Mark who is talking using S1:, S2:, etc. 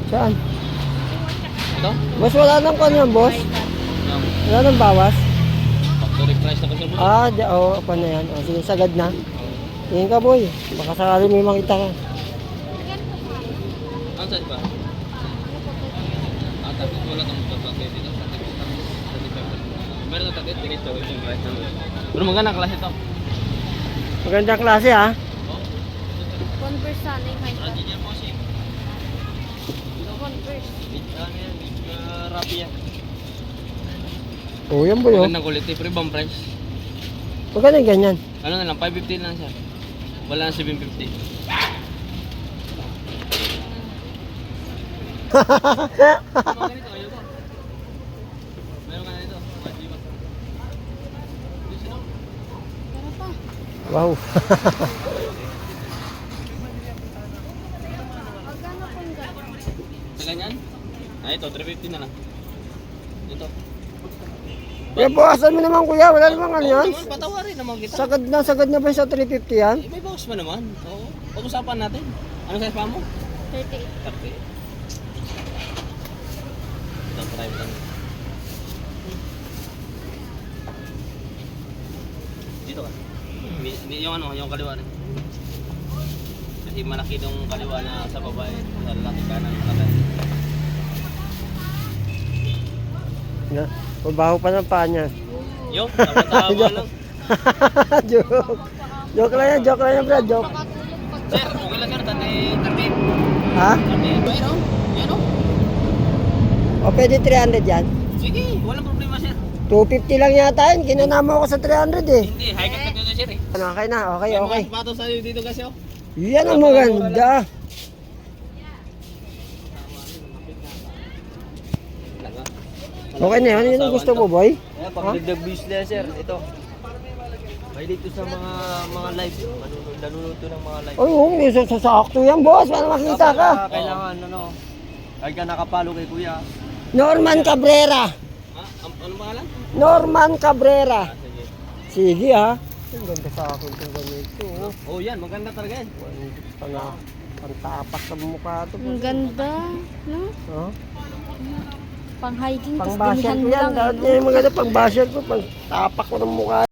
S1: Saan?
S2: Ito?
S1: Boss, wala nang kung yan, boss. Wala nang bawas.
S2: Factory price na kasi boss.
S1: Pa na yan. O, sige, sagad na. Tingin ka, boy. Baka sakali may makita ka.
S2: Ang saan ba? Takit wala kang pagkakit dito. Meron na takit, tingin ito. Pero magandang klase ito.
S1: Magandang klase, ha?
S3: Converse sana yung high top.
S2: Radyo boss eh.
S3: Converse.
S2: Ano yan? Rappi yan.
S1: Oo, yan, boy, oh.
S2: Magandang quality, pero ibang price.
S1: Maganda yung ganyan.
S2: Ano na lang, 550 lang siya. Wala na 750. Mga ganito, ayaw ko. Meron ka na ito.
S3: Tara pa.
S1: Wow.
S3: Magkano kung gano'n?
S2: Sa ganyan? Ito, 350 na lang. Ito.
S1: Kaya buwasan mo naman, kuya. Wala namang ano yan.
S2: Patawarin naman kita.
S1: Sagad na ba yung sa 350 yan?
S2: May bawas pa naman. Oo. Pag-usapan natin. Ano size pa mo?
S3: 38.
S2: 30. Ito, try lang. Dito ka. Yung ano, yung kaliwa rin. Kasi malaki yung kaliwa na sa babae. Sa lalaki kanan kanan.
S1: Na, mabaho pa ng paa niya.
S2: Yung, tama lang.
S1: Joke lang yan, Brad. Joke.
S2: Sir, okay lang yan. Tati,
S1: Ha?
S2: bayar o. Yan o.
S1: O, pwede 300 yan?
S2: Sige, walang problema sir.
S1: 250 lang yata yun. Kinanama ko sa 300 eh.
S2: Hindi, high cut ka dito sir eh.
S1: Ano, okay na. Okay.
S2: May mga sapatos sa'yo dito kasi oh.
S1: Yan ang maganda. Okay na yun. Yun ang gusto mo, boy?
S4: Ayan, pagdagdag business sir, ito. May dito sa mga live, nanuluto ng mga live.
S1: Ay, may sasakto yan, boss. Para makita ka.
S4: Kailangan, ay ka nakapalo kay kuya.
S1: Norman Cabrera.
S2: Ha? Ano pangalan?
S1: Norman Cabrera.
S2: Sige.
S1: Sige, ha. Ang ganda sa akin itong ganito. Oh.
S2: Oh yan, maganda talaga yan.
S1: Pantapak sa mukha ito.
S3: Ang ganda. No?
S1: Oh.
S3: Pang hiking.
S1: Pang basher ko yan. Dahil yung maganda pang basher ko. Pang tapak ko ng mukha.